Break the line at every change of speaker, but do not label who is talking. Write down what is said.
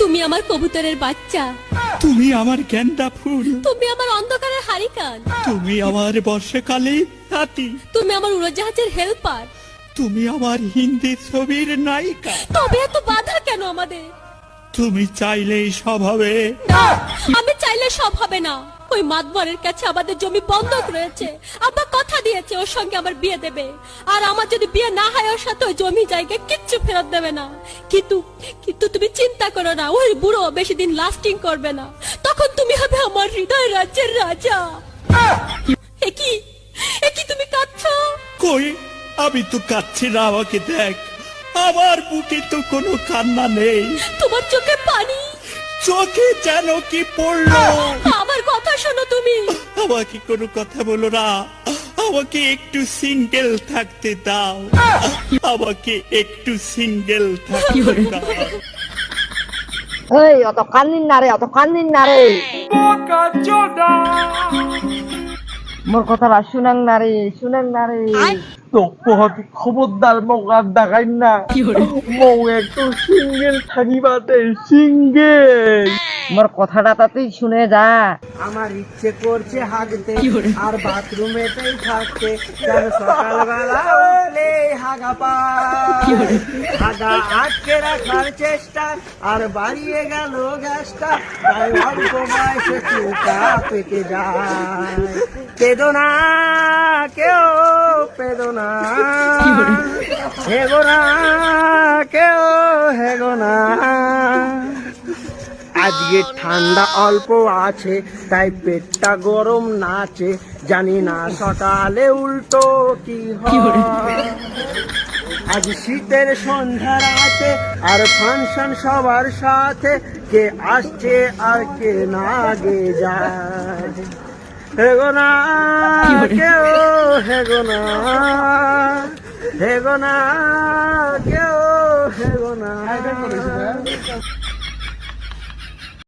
তুমি আমার কবুতরের বাচ্চা,
তুমি আমার গেন্দা ফুল,
তুমি আমার অন্ধকারের হারিকান,
তুমি আমার বর্ষাকালে হাতি,
তুমি আমার উড়োজাহাজের হেল্পার।
তুমি আমার হিন্দি ছবির নায়িকা।
তবে এত বাধা কেন আমাদের?
তুমি চাইলেই সব হবে।
না, আমি চাইলে সব হবে না। ওই মাতবরের কাছে আমাদের জমি বন্ধক রয়েছে। আব্বা কথা দিয়েছে ওর সঙ্গে আমার বিয়ে দেবে, আর আমার যদি বিয়ে না হয় ওর সাথে ওই জমি জায়গা কিচ্ছু ফেরত দেবে না। কিন্তু কিন্তু তুমি চিন্তা করো না, ওই বুড়ো বেশি দিন লাস্টিং করবে না। তখন তুমি হবে আমার হৃদয় রাজ্যের রাজা। একই একই তুমি কাঁদছো?
কই, আমি তো কাঁদছি না, আমাকে দেখ। আমার বুকে তো কোনো কান্না নেই,
তোমার চোখে পানি,
চোখে যেন কি পড়লো।
আমার কথা শোনো তুমি।
আমাকে কোনো কথা বলো না, আমাকে একটু সিঙ্গেল থাকতে দাও, আমাকে একটু সিঙ্গেল থাকতে দাও।
এই অত কান্দিন না রে, অত কান্দিন না রে, মোর কথাটা শুনেন না রে, শুনেন না রে।
তো খবরদার মোক আর দেখাই না, মৌ একটু সিঙ্গেল থাকিবাতে, সিঙ্গেল।
মোর কথাটা তো তুই শুনে যা।
আমার ইচ্ছে করছে হাগতে আর বাথরুমেতেই থাকতে, যেন সকালবেলা উঠলে হাগা পায়। হাগা আটকে রাখার চেষ্টা আর বাড়িয়ে গেল গ্যাসটা, তাই অল্প বয়সে চুলটা পেকে যায়। পেদো না কেউ, পেদো না, হেগো না কেউ, হেগো না। আজকে ঠান্ডা অল্প আছে তাই পেটটা গরম নাচে, জানি না সকালে উল্টো কি হয়। আজ শীতের সন্ধ্যা রাতে আর ফাংশন সবার সাথে, কে আসছে আর কে না গে যায়। হেগো না কেউ, হেগো না, হেগো না কেউ, হেগো না।